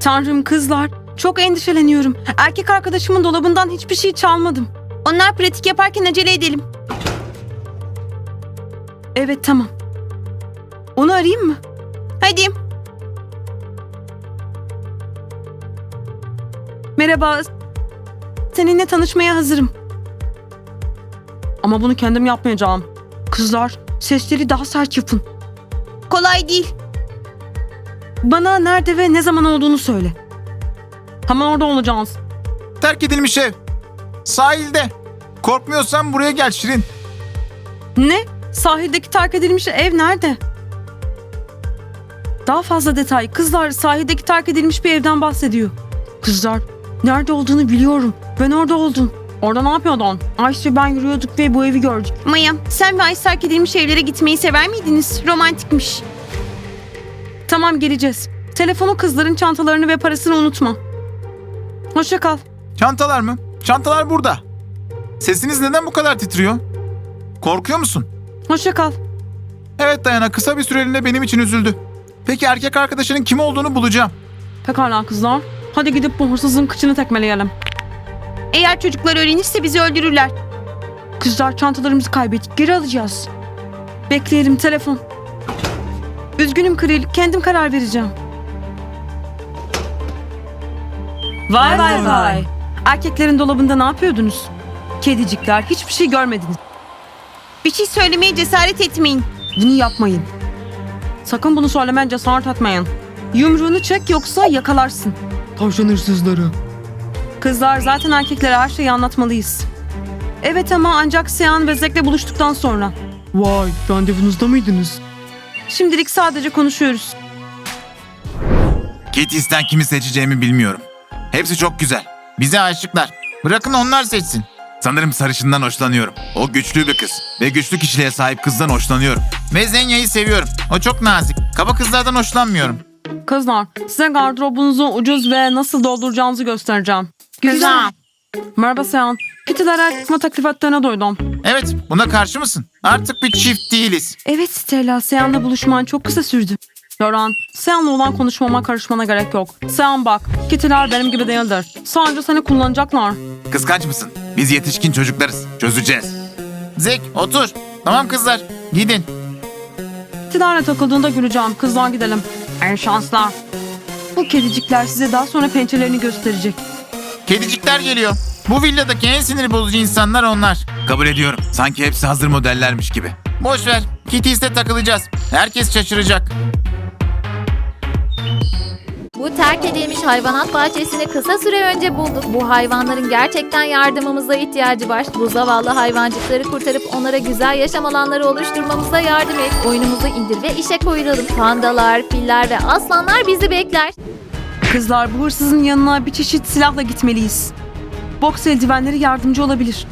Tanrım kızlar, çok endişeleniyorum. Erkek arkadaşımın dolabından hiçbir şey çalmadım. Onlar pratik yaparken acele edelim. Evet tamam. Onu arayayım mı? Hadi. Merhaba. Seninle tanışmaya hazırım. Ama bunu kendim yapmayacağım. Kızlar, sesleri daha sert yapın. Kolay değil. Bana nerede ve ne zaman olduğunu söyle. Hemen orada olacağız. Terk edilmiş ev. Sahilde. Korkmuyorsan buraya gel Şirin. Ne? Sahildeki terk edilmiş ev nerede? Daha fazla detay. Kızlar, sahildeki terk edilmiş bir evden bahsediyor. Kızlar, nerede olduğunu biliyorum. Ben orada oldum. Orada ne yapıyordun? Ayşe ve ben yürüyorduk ve bu evi gördük. Maya, sen ve Ayşe terk edilmiş evlere gitmeyi sever miydiniz? Romantikmiş. Tamam, geleceğiz. Telefonu, kızların çantalarını ve parasını unutma. Hoşça kal. Çantalar mı? Çantalar burada. Sesiniz neden bu kadar titriyor? Korkuyor musun? Hoşça kal. Evet Dayana, kısa bir süreliğine benim için üzüldü. Peki erkek arkadaşının kim olduğunu bulacağım. Pekala kızlar. Hadi gidip bu hırsızın kıçını tekmeleyelim. Eğer çocuklar öğrenirse bizi öldürürler. Kızlar, çantalarımızı kaybettik. Geri alacağız. Bekleyelim, telefon. Üzgünüm Kril. Kendim karar vereceğim. Vay vay vay. Erkeklerin dolabında ne yapıyordunuz? Kedicikler, hiçbir şey görmediniz. Bir şey söylemeye cesaret etmeyin. Bunu yapmayın. Sakın bunu söylemeye cesaret etmeyin. Yumruğunu çek yoksa yakalarsın. Tavşan hırsızları. Kızlar, zaten erkeklere her şeyi anlatmalıyız. Evet ama ancak Sean ve Zek'le buluştuktan sonra. Vay, randevunuzda mıydınız? Şimdilik sadece konuşuyoruz. Kitty'sten kimi seçeceğimi bilmiyorum. Hepsi çok güzel. Bize aşıklar. Bırakın onlar seçsin. Sanırım sarışından hoşlanıyorum. O güçlü bir kız. Ve güçlü kişiliğe sahip kızdan hoşlanıyorum. Ve Zenya'yı seviyorum. O çok nazik. Kaba kızlardan hoşlanmıyorum. Kızlar, size gardırobunuzu ucuz ve nasıl dolduracağınızı göstereceğim. Güzel. Merhaba Sean. Kitty'lere çıkma teklif ettiğine duydum. Evet, buna karşı mısın? Artık bir çift değiliz. Evet Stella, Sean'la buluşman çok kısa sürdü. Loran, Sean'la olan konuşmama karışmana gerek yok. Sean bak, Kitty'ler benim gibi değildir. Sadece seni kullanacaklar. Kıskanç mısın? Biz yetişkin çocuklarız. Çözeceğiz. Zek, otur. Tamam kızlar, gidin. Kitty'lerle takıldığında güleceğim. Kızlar gidelim. En şanslar. Bu kedicikler size daha sonra pençelerini gösterecek. Kedicikler geliyor. Bu villadaki en sinir bozucu insanlar onlar. Kabul ediyorum. Sanki hepsi hazır modellermiş gibi. Boş ver. Kitty's'te takılacağız. Herkes şaşıracak. Bu terk edilmiş hayvanat bahçesini kısa süre önce bulduk. Bu hayvanların gerçekten yardımımıza ihtiyacı var. Bu zavallı hayvancıkları kurtarıp onlara güzel yaşam alanları oluşturmamıza yardım et. Oyunumuzu indir ve işe koyulalım. Pandalar, filler ve aslanlar bizi bekler. Kızlar, bu hırsızın yanına bir çeşit silahla gitmeliyiz. Boks eldivenleri yardımcı olabilir.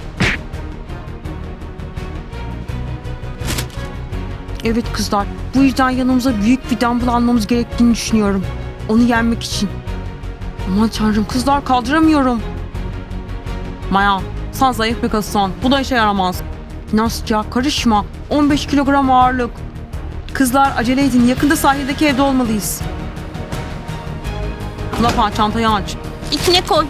Evet kızlar, bu yüzden yanımıza büyük bir dumbbell almamız gerektiğini düşünüyorum. Onu yenmek için. Aman tanrım kızlar, kaldıramıyorum. Maya, sen zayıf bir kızsın. Bu da işe yaramaz. Nastya, karışma. 15 kilogram ağırlık. Kızlar acele edin, yakında sahildeki evde olmalıyız. Lafa, çantayı aç. İçine koy.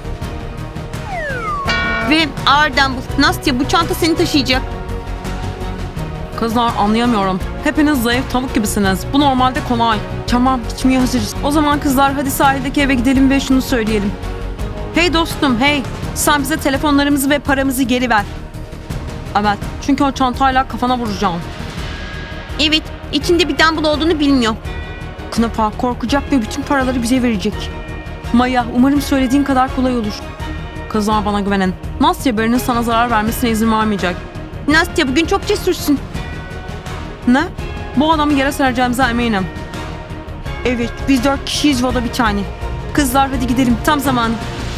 Ve ağır dumbbell. Nastya, bu çanta seni taşıyacak. Kızlar, anlayamıyorum. Hepiniz zayıf tavuk gibisiniz. Bu normalde kolay. Tamam, gitmeye hazırız. O zaman kızlar, hadi sahildeki eve gidelim ve şunu söyleyelim. Hey dostum, hey. Sen bize telefonlarımızı ve paramızı geri ver. Evet, çünkü o çantayla kafana vuracağım. Evet, içinde bir dumbbell olduğunu bilmiyor. Knapa korkacak ve bütün paraları bize verecek. Maya, umarım söylediğin kadar kolay olur. Kızlar, bana güvenin. Nastya birinin sana zarar vermesine izin vermeyecek. Nastya, bugün çok cesursun. Ne? Bu adamı yere sereceğimize eminim. Evet, biz 4 kişiyiz ve o da bir tane. Kızlar, hadi gidelim, tam zamanı.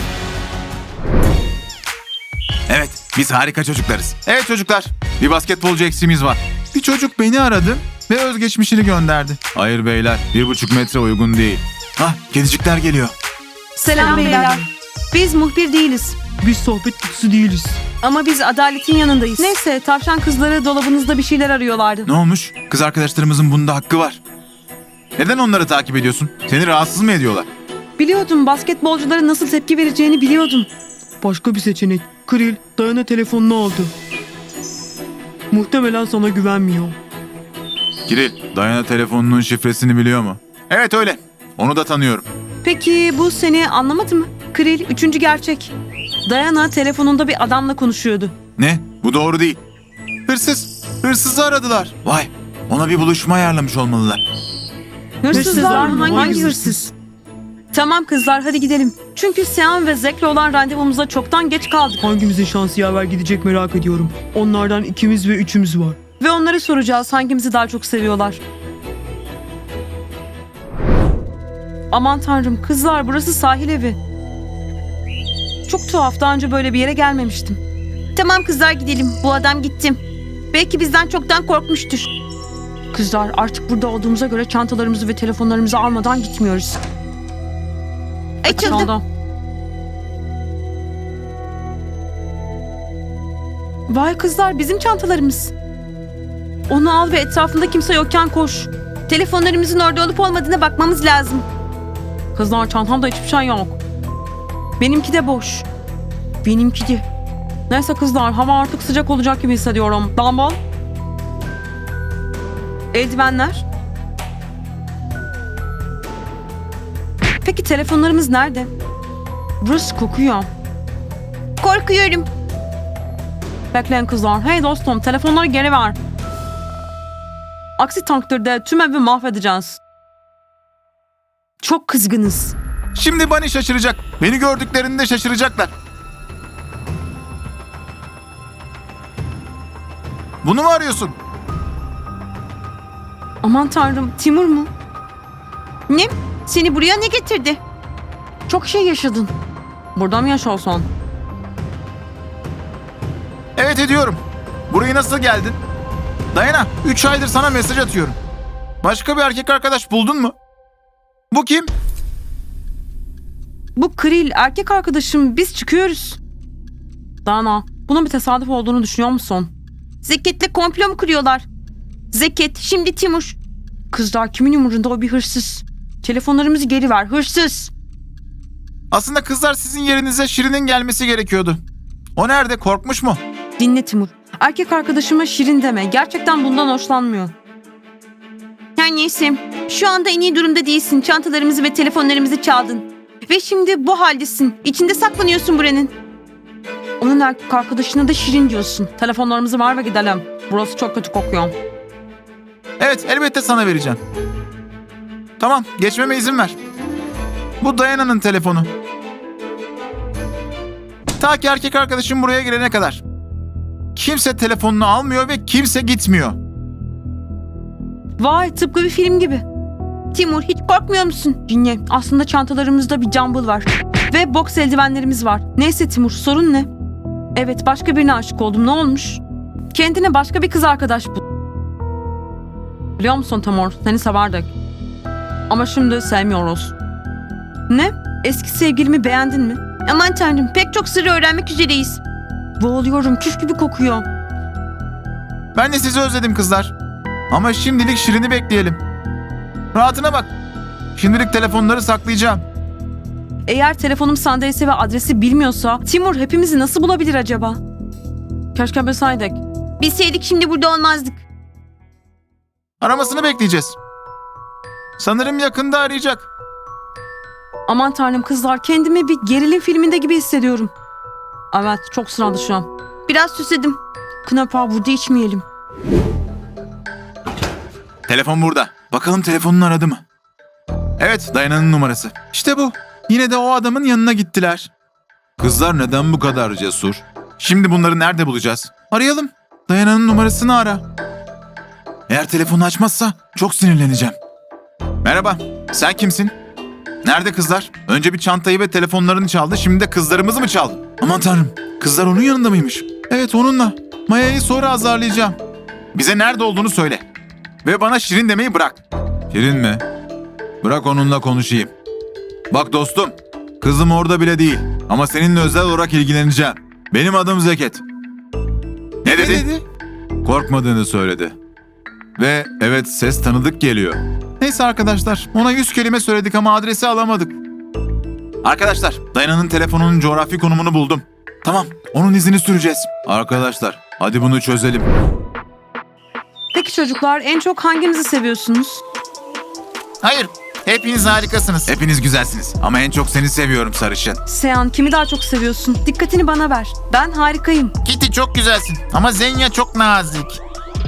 Evet, biz harika çocuklarız. Evet çocuklar, bir basketbolcu eksiğimiz var. Bir çocuk beni aradı ve özgeçmişini gönderdi. Hayır beyler, 1,5 metre uygun değil. Hah, kedicikler geliyor. Selam beyler. Biz muhbir değiliz. Biz sohbet kutusu değiliz. Ama biz adaletin yanındayız. Neyse, tavşan kızları dolabınızda bir şeyler arıyorlardı. Ne olmuş? Kız arkadaşlarımızın bunda hakkı var. Neden onları takip ediyorsun? Seni rahatsız mı ediyorlar? Biliyordum, basketbolcuların nasıl tepki vereceğini biliyordum. Başka bir seçenek. Kril, Dayana telefonunu aldı. Muhtemelen sana güvenmiyor. Kiril, Dayana telefonunun şifresini biliyor mu? Evet öyle. Onu da tanıyorum. Peki bu seni anlamadı mı? Kril, üçüncü gerçek. Diana telefonunda bir adamla konuşuyordu. Ne? Bu doğru değil. Hırsız. Hırsızı aradılar. Vay. Ona bir buluşma ayarlamış olmalılar. Hırsızlar mı? Hangi hırsız? Tamam kızlar, hadi gidelim. Çünkü Sean ve Zack'le olan randevumuza çoktan geç kaldık. Hangimizin şansı yaver gidecek merak ediyorum. Onlardan ikimiz ve üçümüz var. Ve onları soracağız hangimizi daha çok seviyorlar. Aman tanrım kızlar, burası sahil evi. Çok tuhaf, daha önce böyle bir yere gelmemiştim. Tamam kızlar, gidelim. Bu adam gittim. Belki bizden çoktan korkmuştur. Kızlar, artık burada olduğumuza göre çantalarımızı ve telefonlarımızı almadan gitmiyoruz. Açıldı. Vay kızlar, bizim çantalarımız. Onu al ve etrafında kimse yokken koş. Telefonlarımızın orada olup olmadığına bakmamız lazım. Kızlar, çantamda hiçbir şey yok. Benimki de boş. Benimki de. Neyse kızlar, hava artık sıcak olacak gibi hissediyorum. Dumbbell. Eldivenler. Peki telefonlarımız nerede? Burası kokuyor. Korkuyorum. Bekleyin kızlar. Hey dostum, telefonları geri ver. Aksi takdirde tüm evi mahvedeceğiz. Çok kızgınız. Şimdi Bunny şaşıracak. Beni gördüklerinde şaşıracaklar. Bunu mu arıyorsun? Aman tanrım, Timur mu? Ne? Seni buraya ne getirdi? Çok şey yaşadın. Burada mı yaşıyorsun? Evet ediyorum. Buraya nasıl geldin? Dayana, 3 aydır sana mesaj atıyorum. Başka bir erkek arkadaş buldun mu? Bu kim? Bu Kril, erkek arkadaşım. Biz çıkıyoruz. Dana, bunun bir tesadüf olduğunu düşünüyor musun? Zeket'le komplo mu kuruyorlar? Zeket, şimdi Timur. Kızlar, kimin umurunda, o bir hırsız. Telefonlarımızı geri ver, hırsız. Aslında kızlar sizin yerinize Şirin'in gelmesi gerekiyordu. O nerede? Korkmuş mu? Dinle Timur. Erkek arkadaşıma Şirin deme. Gerçekten bundan hoşlanmıyor. Her neyse. Şu anda en iyi durumda değilsin. Çantalarımızı ve telefonlarımızı çaldın. Ve şimdi bu haldesin. İçinde saklanıyorsun buranın. Onun erkek arkadaşına da Şirin diyorsun. Telefonlarımızı ver ve gidelim. Burası çok kötü kokuyor. Evet, elbette sana vereceğim. Tamam, geçmeme izin ver. Bu Dayana'nın telefonu. Ta ki erkek arkadaşım buraya gelene kadar. Kimse telefonunu almıyor ve kimse gitmiyor. Vay, tıpkı bir film gibi. Timur, hiç korkmuyor musun? Dinle, aslında çantalarımızda bir jumble var. Ve boks eldivenlerimiz var. Neyse Timur, sorun ne? Evet, başka birine aşık oldum. Ne olmuş? Kendine başka bir kız arkadaş bul. Biliyor musun Timur, seni severdik. Ama şimdi sevmiyoruz. Ne? Eski sevgilimi beğendin mi? Aman tanrım, pek çok sırrı öğrenmek üzereyiz. Boğuluyorum, küf gibi kokuyor. Ben de sizi özledim kızlar. Ama şimdilik Şirin'i bekleyelim. Rahatına bak. Şimdilik telefonları saklayacağım. Eğer telefonum sandalye ve adresi bilmiyorsa Timur hepimizi nasıl bulabilir acaba? Keşke bilseydik. Bilseydik şimdi burada olmazdık. Aramasını bekleyeceğiz. Sanırım yakında arayacak. Aman tanrım kızlar, kendimi bir gerilim filminde gibi hissediyorum. Evet, çok sıra dışı. Biraz süsledim. Knapa, burada içmeyelim. Telefon burada. Bakalım telefonunu aradı mı? Evet, Dayana'nın numarası. İşte bu. Yine de o adamın yanına gittiler. Kızlar neden bu kadar cesur? Şimdi bunları nerede bulacağız? Arayalım. Dayana'nın numarasını ara. Eğer telefonu açmazsa çok sinirleneceğim. Merhaba, sen kimsin? Nerede kızlar? Önce bir çantayı ve telefonlarını çaldı, şimdi de kızlarımızı mı çaldı? Aman tanrım, kızlar onun yanında mıymış? Evet, onunla. Maya'yı sonra azarlayacağım. Bize nerede olduğunu söyle. Ve bana Şirin demeyi bırak. Şirin mi? Bırak onunla konuşayım. Bak dostum, kızım orada bile değil. Ama seninle özel olarak ilgileneceğim. Benim adım Zeket. Ne dedi? Korkmadığını söyledi. Ve evet, ses tanıdık geliyor. Neyse arkadaşlar, ona 100 kelime söyledik ama adresi alamadık. Arkadaşlar, Dayana'nın telefonunun coğrafi konumunu buldum. Tamam, onun izini süreceğiz. Arkadaşlar, hadi bunu çözelim. Peki çocuklar, en çok hangimizi seviyorsunuz? Hayır, hepiniz harikasınız. Hepiniz güzelsiniz ama en çok seni seviyorum sarışın. Sean, kimi daha çok seviyorsun? Dikkatini bana ver. Ben harikayım. Kitty çok güzelsin ama Zenya çok nazik.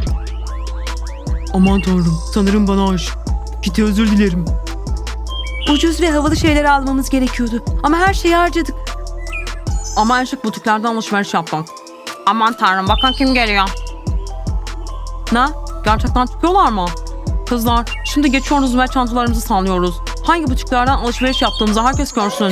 Aman tanrım, sanırım bana aşık. Kitty, özür dilerim. Ucuz ve havalı şeyler almamız gerekiyordu. Ama her şeyi harcadık. Ama en şık butiklerden alışveriş yaptık. Aman tanrım, bakın kim geliyor. Ne? Gerçekten çıkıyorlar mı? Kızlar, şimdi geçiyoruz ve çantalarımızı sallıyoruz. Hangi butiklerden alışveriş yaptığımızı herkes görsün. I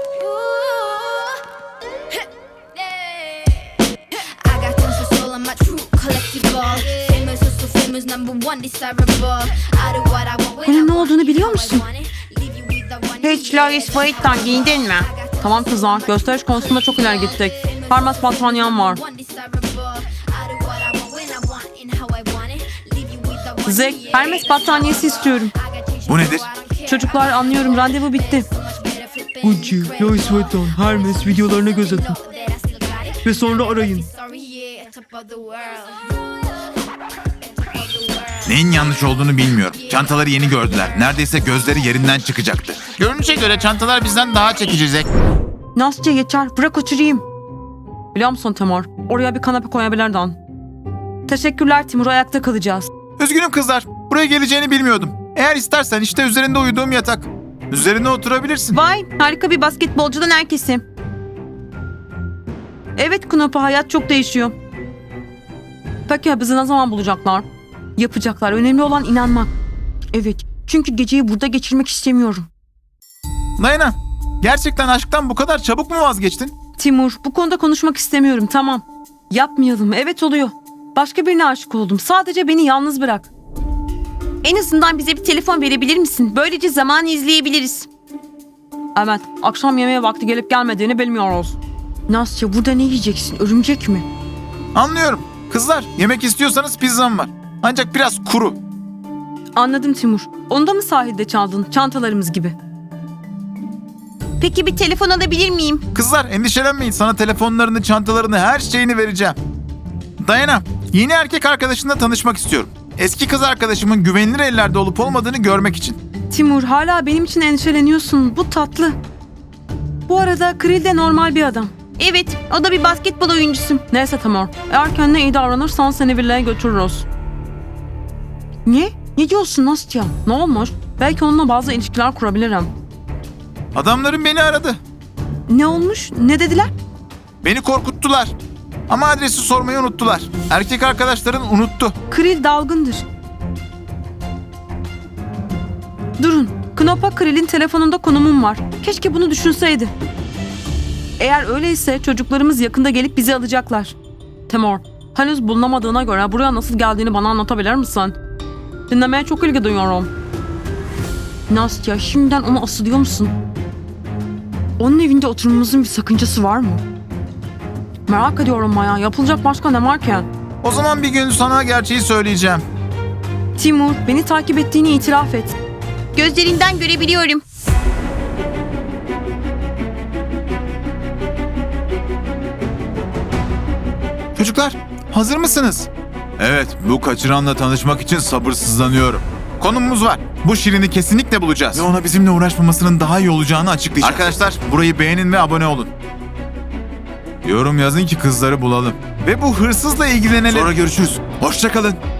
got tons of soul, I'm a true collectible. Famous, so famous, number one desirable. I do what I want when I Bunun ne want olduğunu it, biliyor how I musun? want it. Leave you with the one Hiç Lois Vuitton giyindin mi? Tamam kızlar, gösteriş konusunda çok ileri gittik. Parmas battaniyen var. one desirable. I do what I want when I want it, how I want it. Leave you with the one Zek, Hermes battaniyesi istiyorum. Bu nedir? Çocuklar, anlıyorum, randevu bitti. Gucci, Louis Vuitton, Hermes videolarına göz atın. Ve sonra arayın. Sorry, yeah, top of the world. Neyin yanlış olduğunu bilmiyorum. Çantaları yeni gördüler. Neredeyse gözleri yerinden çıkacaktı. Görünüşe göre çantalar bizden daha çekici Zek. Nastya yeter, bırak oturayım. Biliyor musun Timur, oraya bir kanepe koyabilirdin. Teşekkürler Timur, ayakta kalacağız. Üzgünüm kızlar. Buraya geleceğini bilmiyordum. Eğer istersen işte üzerinde uyuduğum yatak. Üzerine oturabilirsin. Vay, harika bir basketbolcudan herkesi. Evet Knopa, hayat çok değişiyor. Peki ya bizi ne zaman bulacaklar? Yapacaklar, önemli olan inanmak. Evet, çünkü geceyi burada geçirmek istemiyorum. Dayana, gerçekten aşktan bu kadar çabuk mu vazgeçtin? Timur, bu konuda konuşmak istemiyorum, tamam. Yapmayalım, evet oluyor. Başka birine aşık oldum, sadece beni yalnız bırak. En azından bize bir telefon verebilir misin? Böylece zamanı izleyebiliriz. Evet, akşam yemeğe vakti gelip gelmediğini bilmiyoruz. Nastya, burada ne yiyeceksin? Örümcek mi? Anlıyorum. Kızlar, yemek istiyorsanız pizzam var. Ancak biraz kuru. Anladım Timur. Onu da mı sahilde çaldın? Çantalarımız gibi. Peki bir telefon alabilir miyim? Kızlar endişelenmeyin. Sana telefonlarını, çantalarını, her şeyini vereceğim. Dayana, yeni erkek arkadaşınla tanışmak istiyorum. Eski kız arkadaşımın güvenilir ellerde olup olmadığını görmek için. Timur, hala benim için endişeleniyorsun. Bu tatlı. Bu arada Krill de normal bir adam. Evet, o da bir basketbol oyuncusu. Neyse Timur, eğer kendine iyi davranırsan seni villaya götürürüz. Ne? Ne diyorsun Nastya? Ne olmuş? Belki onunla bazı ilişkiler kurabilirim. Adamlarım beni aradı. Ne olmuş? Ne dediler? Beni korkuttular. Ama adresi sormayı unuttular. Erkek arkadaşların unuttu. Krill dalgındır. Durun. Knopa Krill'in telefonunda konumum var. Keşke bunu düşünseydi. Eğer öyleyse çocuklarımız yakında gelip bizi alacaklar. Timur, henüz bulunamadığına göre buraya nasıl geldiğini bana anlatabilir misin? Dinlemeye çok ilgi duyuyorum. Nastya, şimdiden onu asılıyor musun? Onun evinde oturmamızın bir sakıncası var mı? Merak ediyorum Maya. Yapılacak başka ne var ki? O zaman bir gün sana gerçeği söyleyeceğim. Timur, beni takip ettiğini itiraf et. Gözlerinden görebiliyorum. Çocuklar, hazır mısınız? Evet, bu kaçıranla tanışmak için sabırsızlanıyorum. Konumumuz var. Bu Şirin'i kesinlikle bulacağız. Ve ona bizimle uğraşmamasının daha iyi olacağını açıklayacağız. Arkadaşlar, burayı beğenin ve abone olun. Yorum yazın ki kızları bulalım. Ve bu hırsızla ilgilenelim. Sonra görüşürüz. Hoşça kalın.